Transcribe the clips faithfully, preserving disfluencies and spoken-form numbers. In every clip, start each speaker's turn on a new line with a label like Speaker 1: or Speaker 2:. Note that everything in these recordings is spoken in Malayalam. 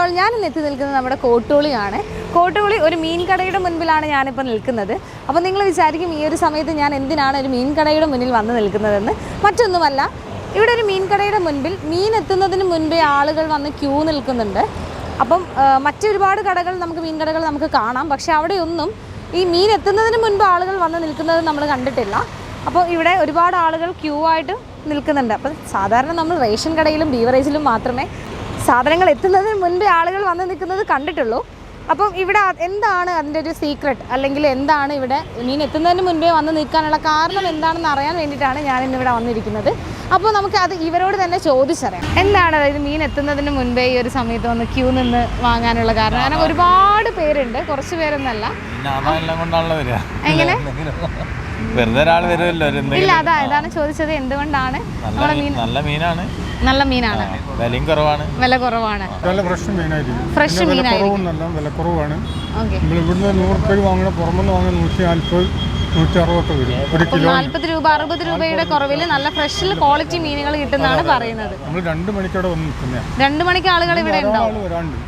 Speaker 1: ഓൾ, ഞാൻ ഇന്ന് എത്തി നിൽക്കുന്നത് നമ്മുടെ കോട്ടൂളിയാണ്. കോട്ടൂളി ഒരു മീൻ കടയുടെ മുൻപിലാണ് ഞാനിപ്പോൾ നിൽക്കുന്നത്. അപ്പോൾ നിങ്ങൾ വിചാരിക്കും ഈ ഒരു സമയത്ത് ഞാൻ എന്തിനാണ് ഒരു മീൻ കടയുടെ മുന്നിൽ വന്ന് നിൽക്കുന്നതെന്ന്. മറ്റൊന്നുമല്ല, ഇവിടെ ഒരു മീൻ കടയുടെ മുൻപിൽ മീൻ എത്തുന്നതിന് മുൻപേ ആളുകൾ വന്ന് ക്യൂ നിൽക്കുന്നുണ്ട്. അപ്പം മറ്റൊരുപാട് കടകൾ നമുക്ക് മീൻ കടകൾ നമുക്ക് കാണാം. പക്ഷേ അവിടെയൊന്നും ഈ മീൻ എത്തുന്നതിന് മുൻപ് ആളുകൾ വന്ന് നിൽക്കുന്നത് നമ്മൾ കണ്ടിട്ടില്ല. അപ്പോൾ ഇവിടെ ഒരുപാട് ആളുകൾ ക്യൂ ആയിട്ട് നിൽക്കുന്നുണ്ട്. അപ്പം സാധാരണ നമ്മൾ റേഷൻ കടയിലും ബീവറേജിലും മാത്രമേ സാധനങ്ങൾ എത്തുന്നതിന് മുൻപേ ആളുകൾ വന്ന് നിൽക്കുന്നത് കണ്ടിട്ടുള്ളൂ. അപ്പം ഇവിടെ എന്താണ് അതിൻ്റെ ഒരു സീക്രട്ട്, അല്ലെങ്കിൽ എന്താണ് ഇവിടെ മീൻ എത്തുന്നതിന് മുൻപേ വന്ന് നിൽക്കാനുള്ള കാരണം എന്താണെന്ന് അറിയാൻ വേണ്ടിയിട്ടാണ് ഞാൻ ഇന്നിവിടെ വന്നിരിക്കുന്നത്. അപ്പോൾ നമുക്ക് അത് ഇവരോട് തന്നെ ചോദിച്ചറിയാം. എന്താണ് അതായത് മീൻ എത്തുന്നതിന് മുൻപേ ഈ ഒരു സമയത്ത് വന്ന് ക്യൂ നിന്ന് വാങ്ങാനുള്ള കാരണം? കാരണം ഒരുപാട് പേരുണ്ട്, കുറച്ച് പേരൊന്നല്ല. എങ്ങനെ
Speaker 2: വെറുതെ ഒരാൾ വരുമല്ലോ.
Speaker 1: ഇല്ല, അതാ ഇതാണ് ചോദിച്ചത്, എന്തുകൊണ്ടാണ് നമ്മുടെ മീൻ
Speaker 2: നല്ല മീനാണ്.
Speaker 1: നല്ല മീനാണ്,
Speaker 2: വിലയും കുറവാണ്.
Speaker 1: വില കുറവാണ്.
Speaker 3: ഫ്രഷ് മീനായിരിക്കും.
Speaker 1: ഫ്രഷ് മീനായിരിക്കും.
Speaker 3: വില കുറവാണ്.
Speaker 1: ഓക്കെ,
Speaker 3: ഇവിടുന്ന് നൂറ് രൂപ വാങ്ങണ പുറമെന്ന് വാങ്ങുന്ന നൂറ്റി നാൽപ്പത് നൂറ്റി അറുപതൊക്കെ വരും ഒരു കിലോ.
Speaker 1: നാല്പത് രൂപ അറുപത് രൂപയുടെ കുറവിൽ നല്ല ഫ്രഷിൽ ക്വാളിറ്റി മീനുകൾ കിട്ടുന്നതാണ് പറയുന്നത്.
Speaker 3: നമ്മൾ രണ്ട് മണിക്കോടെ വന്ന് നിൽക്കുന്നതാണ്.
Speaker 1: രണ്ട് മണിക്ക് ആളുകൾ ഇവിടെ ഉണ്ടാവും.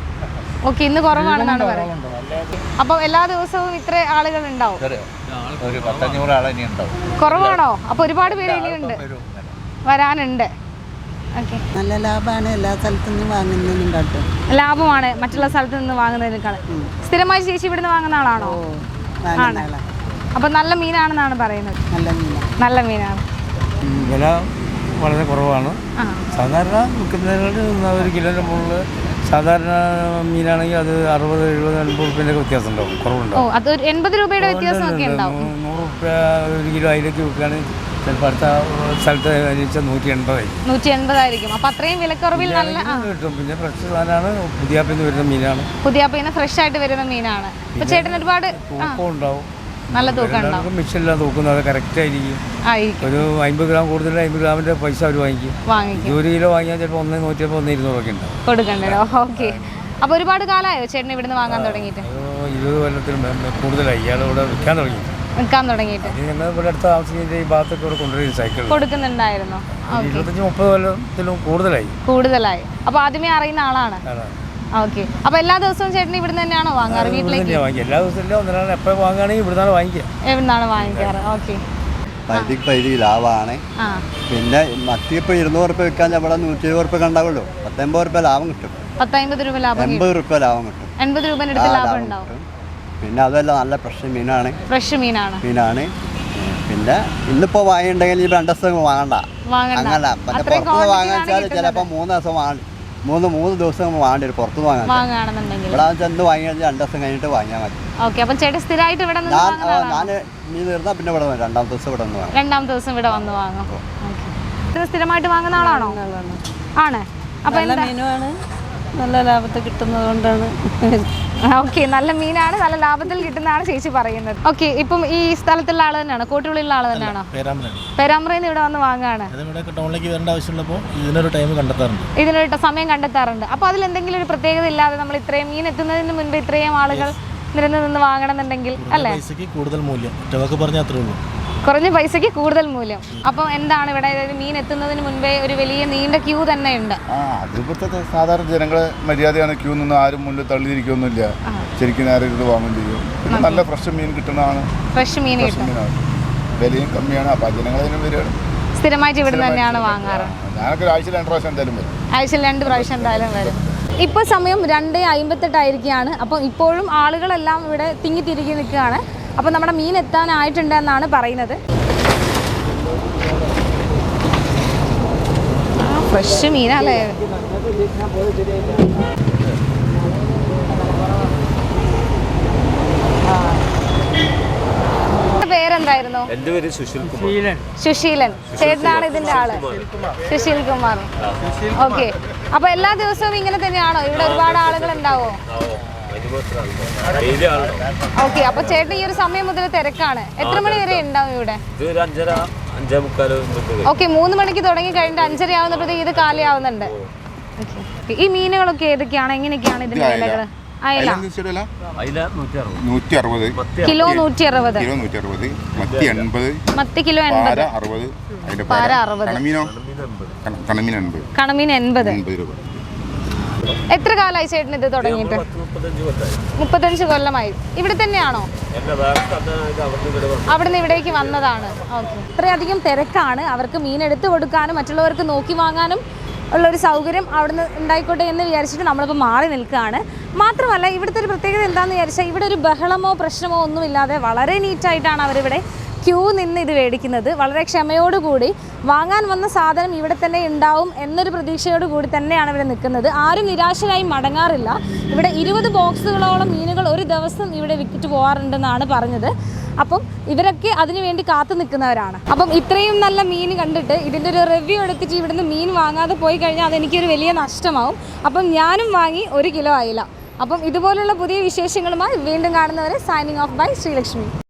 Speaker 1: ഓക്കെ, ഇന്ന് കുറവാണെന്നാണ് പറയുന്നത്. അപ്പോൾ എല്ലാ ദിവസവും ഇത്ര ആളുകൾ ഉണ്ടാവും?
Speaker 2: ഒരു പത്തഞ്ഞൂറ് ആൾ ഇനി ഉണ്ടാവും.
Speaker 1: കുറവാണോ? അപ്പോൾ ഒരുപാട് പേര് ഇനിയുണ്ട്, വരാനുണ്ട്. ഓക്കെ,
Speaker 4: നല്ല ലാഭമാണ്. എല്ലാ സ്ഥലത്തു നിന്നും വാങ്ങുന്നതിനും കാട്ടും
Speaker 1: ലാഭമാണ് മറ്റുള്ള സ്ഥലത്ത് നിന്ന് വാങ്ങുന്നതിനേക്കാൾ. സ്ഥിരമായി ചേച്ചി ഇവിടുന്ന് വാങ്ങുന്ന ആളാണോ? ആണ്. അപ്പം നല്ല മീനാണെന്നാണ് പറയുന്നത്.
Speaker 4: നല്ല മീനാണ്.
Speaker 1: നല്ല മീനാണ്.
Speaker 2: വില വളരെ കുറവാണ്. സാധാരണ വിൽക്കുന്നതിനോട് ഒരു കിലോൻ്റെ മുകളിൽ സാധാരണ മീനാണെങ്കിൽ അത് അറുപത് എഴുപത് എൺപത് റുപ്യൻ്റെ വ്യത്യാസം ഉണ്ടാവും, കുറവുണ്ടാവും.
Speaker 1: ഓ, അത് എൺപത് രൂപയുടെ വ്യത്യാസമൊക്കെ ഉണ്ടാവും.
Speaker 2: നൂറ് റുപ്യ ഒരു കിലോ അതിലേക്ക് വിൽക്കുകയാണെങ്കിൽ ചിലപ്പോൾ അടുത്ത സ്ഥലത്ത് കഴിച്ചാൽ നൂറ്റി എൺപതായിരിക്കും.
Speaker 1: നൂറ്റി എൺപതായിരിക്കും. അപ്പം അത്രയും വിലക്കുറവിൽ നല്ല
Speaker 2: കിട്ടും. പിന്നെ ഫ്രഷ് സാധനമാണ്, പുതിയാപ്പിന്ന് വരുന്ന മീനാണ്.
Speaker 1: പുതിയാപ്പിന്ന് ഫ്രഷ് ആയിട്ട് വരുന്ന മീനാണ്. അപ്പോൾ ചേട്ടൻ ഒരുപാട്
Speaker 2: തൂക്കം ഉണ്ടാവും,
Speaker 1: നല്ല തൂക്കം ഉണ്ടാവും.
Speaker 2: മിക്സിലെല്ലാം തൂക്കുന്നത് അത് കറക്റ്റ് ആയിരിക്കും. ഒരു അമ്പത് ഗ്രാം കൂടുതൽ അമ്പത് ഗ്രാമിൻ്റെ പൈസ അവർ വാങ്ങിക്കും. വാങ്ങിക്കും. ഒരു കിലോ വാങ്ങിയാൽ ചിലപ്പോൾ ഒന്ന് നൂറ്റിയപ്പോൾ ഒന്ന് ഇരുന്നൂറൊക്കെ ഉണ്ടാവും
Speaker 1: കൊടുക്കണ്ടല്ലോ. ഓക്കെ, അപ്പോൾ ഒരുപാട് കാലമായോ ചേട്ടൻ ഇവിടുന്ന് വാങ്ങാൻ തുടങ്ങിയിട്ട്?
Speaker 2: ഇരുപത് കൊല്ലത്തിന് കൂടുതലായി ഇയാൾ ഇവിടെ വിൽക്കാൻ തുടങ്ങി
Speaker 1: വിൽക്കാൻ തുടങ്ങിയിട്ട്.
Speaker 2: ഞങ്ങൾ ഇവിടെ അടുത്ത താമസിക്കുന്ന ഈ ഭാഗത്തൊക്കെ ഇവിടെ കൊണ്ടുവരും സൈക്കിൾ
Speaker 1: കൊടുക്കുന്നുണ്ടായിരുന്നു.
Speaker 2: ഇരുപത്തഞ്ച് മുപ്പത് കൊല്ലത്തിലും കൂടുതലായി കൂടുതലായി
Speaker 1: അപ്പോൾ ആദ്യമേ അറിയുന്ന ആളാണ്. ഓക്കെ, അപ്പോൾ എല്ലാ ദിവസവും ചേട്ടൻ ഇവിടുന്ന് തന്നെയാണോ വാങ്ങാറ്? വീട്ടിലേക്ക്
Speaker 2: എല്ലാ ദിവസവും ഒന്നിനാണ് എപ്പോഴും വാങ്ങുകയാണെങ്കിൽ ഇവിടുന്നാണ് വാങ്ങിക്കുക.
Speaker 1: എവിടുന്നാണ് വാങ്ങിക്കാറ്? ഓക്കെ,
Speaker 5: പരിധിക്ക് പരിധി ലാഭമാണ്. പിന്നെ മത്തി ഇപ്പോൾ ഇരുന്നൂറ് റുപ്യ വിൽക്കാൻ ഇവിടെ നൂറ്റി ഇരുപത് റുപ്യ കണ്ടാവുള്ളൂ. പത്തൊമ്പത് റുപ്യ ലാഭം കിട്ടും.
Speaker 1: പത്തമ്പത് രൂപ ലാഭം,
Speaker 5: എൺപത് റുപ്യ ലാഭം കിട്ടും.
Speaker 1: എൺപത് രൂപ ലാഭം ഉണ്ടാവും.
Speaker 5: പിന്നെ അതല്ല, നല്ല ഫ്രഷ് മീനാണ്.
Speaker 1: ഫ്രഷ് മീനാണ് മീനാണ്
Speaker 5: പിന്നെ ഇന്നിപ്പോൾ വാങ്ങിയിട്ടുണ്ടെങ്കിൽ ഈ രണ്ട് ദിവസം വാങ്ങണ്ട, അങ്ങനെ മറ്റേ പുറത്തുനിന്ന് വാങ്ങിച്ചാൽ ചിലപ്പോൾ മൂന്ന് ദിവസം വാങ്ങി മൂന്ന് മൂന്ന് ദിവസം വാങ്ങേണ്ടി വരും പുറത്തുനിന്ന് വാങ്ങാൻ. ഇവിടെ ചെന്ന് വാങ്ങിയാൽ രണ്ട് ദിവസം കഴിഞ്ഞിട്ട് വാങ്ങിയാൽ മതി.
Speaker 1: ഓക്കെ, അപ്പം ചേട്ടൻ സ്ഥിരമായിട്ട് ഇവിടെ
Speaker 5: ഞാൻ ഞാൻ മീൻ തീർന്നാൽ പിന്നെ ഇവിടെ രണ്ടാം ദിവസം ഇവിടെ വന്ന് വാങ്ങും.
Speaker 1: രണ്ടാം ദിവസം ഇവിടെ വന്ന് വാങ്ങും. സ്ഥിരമായിട്ട് വാങ്ങുന്ന ആളാണോ? ആണ്. അപ്പം
Speaker 4: നല്ല മീനുമാണ്, നല്ല ലാഭത്തിൽ കിട്ടുന്നത് കൊണ്ടാണ്.
Speaker 1: ഓക്കെ, നല്ല മീനാണ്, നല്ല ലാഭത്തിൽ കിട്ടുന്നതാണ് ചേച്ചി പറയുന്നത്. ഓക്കെ, ഇപ്പം ഈ സ്ഥലത്തുള്ള ആൾ തന്നെയാണോ? കോട്ടുള്ളിലുള്ള ആൾ തന്നെയാണോ? പേരാമ്പ്രയിൽ നിന്ന് ഇവിടെ വന്ന് വാങ്ങാണ്. ഇതിനൊരു ടൈം കണ്ടെത്താറുണ്ട്, ഇതിനൊരു സമയം കണ്ടെത്താറുണ്ട്. അപ്പോൾ അതിൽ എന്തെങ്കിലും ഒരു പ്രത്യേകത ഇല്ലാതെ നമ്മൾ ഇത്രയും മീൻ എത്തുന്നതിന് മുൻപ് ഇത്രയും ആളുകൾ നിരന്ന് നിന്ന് വാങ്ങണമെന്നുണ്ടെങ്കിൽ അല്ലേ? കൂടുതൽ മൂല്യം പറഞ്ഞാൽ അത്രേ ഉള്ളൂ. കുറഞ്ഞ പൈസക്ക് കൂടുതൽ മൂല്യം. അപ്പം എന്താണ് ഇവിടെ മീൻ എത്തുന്നതിന് മുൻപേ ഒരു വലിയ നീണ്ട ക്യൂ തന്നെ ഉണ്ട്.
Speaker 6: അതിപ്പോഴത്തെ സാധാരണ ജനങ്ങളെ മര്യാദയാണ്, ക്യൂ നിന്ന് ആരും മുന്നിൽ തള്ളിയിരിക്കൊന്നുമില്ല. ശരിക്കും നേരെ ഇത് വാങ്ങും ചെയ്യും. പിന്നെ നല്ല ഫ്രഷ് മീൻ കിട്ടുന്നതാണ്.
Speaker 1: ഫ്രഷ് മീൻ
Speaker 6: മീനാണ്, വിലയും കമ്മിയാണ്. അപ്പം ജനങ്ങളതിനും വരികയാണ്.
Speaker 1: സ്ഥിരമായിട്ട് ഇവിടെ തന്നെയാണ് വാങ്ങാറ്.
Speaker 6: ഞാനൊക്കെ ആഴ്ചയിൽ രണ്ട് പ്രാവശ്യം എന്തായാലും വരും.
Speaker 1: ആഴ്ചയിൽ രണ്ട് പ്രാവശ്യം എന്തായാലും വരും. ഇപ്പോൾ സമയം രണ്ട് അമ്പത്തെട്ടായിരിക്കുകയാണ്. അപ്പം ഇപ്പോഴും ആളുകളെല്ലാം ഇവിടെ തിങ്ങി തിരികെ നിൽക്കുകയാണ്. അപ്പോൾ നമ്മുടെ മീൻ എത്താനായിട്ടുണ്ട് എന്നാണ് പറയുന്നത്. ഫ്രഷ് മീനല്ലേ? പേരെന്തായിരുന്നു?
Speaker 7: എൻ്റെ പേര് സുശീൽ കുമാർ.
Speaker 1: സുശീലൻ ചേട്ടനാണ് ഇതിന്റെ ആള്. സുശീൽ കുമാർ. ഓക്കെ, അപ്പൊ എല്ലാ ദിവസവും ഇങ്ങനെ തന്നെയാണോ? ഇവിടെ ഒരുപാട് ആളുകൾ ഉണ്ടാവോ? ഓക്കെ, അപ്പൊ ചേട്ടൻ ഈ ഒരു സമയം മുതൽ തിരക്കാണ്. എത്ര മണി വരെ ഉണ്ടാവും ഇവിടെ? ഓക്കെ, മൂന്ന് മണിക്ക് തുടങ്ങി കഴിഞ്ഞിട്ട് അഞ്ചര ആവുന്നപ്പോഴത്തേക്ക് ഇത് കാലിയാവുന്നുണ്ട്. ഈ മീനുകളൊക്കെ ഏതൊക്കെയാണ്, എങ്ങനെയൊക്കെയാണ് ഇതിന്റെ വിലകള്? അയല
Speaker 6: നൂറ്റി അറുപത്
Speaker 1: കിലോ, നൂറ്റി അറുപത്
Speaker 6: മത്തി എൺപത്,
Speaker 1: മത്തി കിലോ എൺപത്,
Speaker 6: പാര അറുപത്, കണമീൻ എൺപത്
Speaker 1: കണമീൻ എൺപത്. എത്ര കാലമായി ചേട്ടൻ ഇത് തുടങ്ങിയിട്ട്? മുപ്പത്തഞ്ച് കൊല്ലമായി. ഇവിടെ തന്നെയാണോ? അവിടുന്ന് ഇവിടേക്ക് വന്നതാണ്. ഓക്കെ. ഇത്രയധികം തിരക്കാണ്. അവർക്ക് മീൻ എടുത്തു കൊടുക്കാനും മറ്റുള്ളവർക്ക് നോക്കി വാങ്ങാനും ഉള്ളൊരു സൗകര്യം അവിടുന്ന് ഉണ്ടായിക്കോട്ടെ എന്ന് വിചാരിച്ചിട്ട് നമ്മളിപ്പോൾ മാറി നിൽക്കുകയാണ്. മാത്രമല്ല ഇവിടുത്തെ ഒരു പ്രത്യേകത എന്താണെന്ന് വിചാരിച്ചാൽ ഇവിടെ ഒരു ബഹളമോ പ്രശ്നമോ ഒന്നുമില്ലാതെ വളരെ നീറ്റായിട്ടാണ് അവരിവിടെ ക്യൂ നിന്ന് ഇത് മേടിക്കുന്നത്. വളരെ ക്ഷമയോടുകൂടി വാങ്ങാൻ വന്ന സാധനം ഇവിടെ തന്നെ ഉണ്ടാവും എന്നൊരു പ്രതീക്ഷയോട് കൂടി തന്നെയാണ് ഇവിടെ നിൽക്കുന്നത്. ആരും നിരാശരായി മടങ്ങാറില്ല. ഇവിടെ ഇരുപത് ബോക്സുകളോളം മീനുകൾ ഒരു ദിവസം ഇവിടെ വിറ്റിട്ട് പോകാറുണ്ടെന്നാണ് പറഞ്ഞത്. അപ്പം ഇവരൊക്കെ അതിനു വേണ്ടി കാത്തു നിൽക്കുന്നവരാണ്. അപ്പം ഇത്രയും നല്ല മീൻ കണ്ടിട്ട് ഇതിൻ്റെ ഒരു റിവ്യൂ എടുത്തിട്ട് ഇവിടുന്ന് മീൻ വാങ്ങാതെ പോയി കഴിഞ്ഞാൽ അതെനിക്കൊരു വലിയ നഷ്ടമാവും. അപ്പം ഞാനും വാങ്ങി ഒരു കിലോ ആയില്ല. അപ്പം ഇതുപോലുള്ള പുതിയ വിശേഷങ്ങളുമായി വീണ്ടും കാണുന്നവരെ സൈനിങ് ഓഫ് ബൈ ശ്രീലക്ഷ്മി.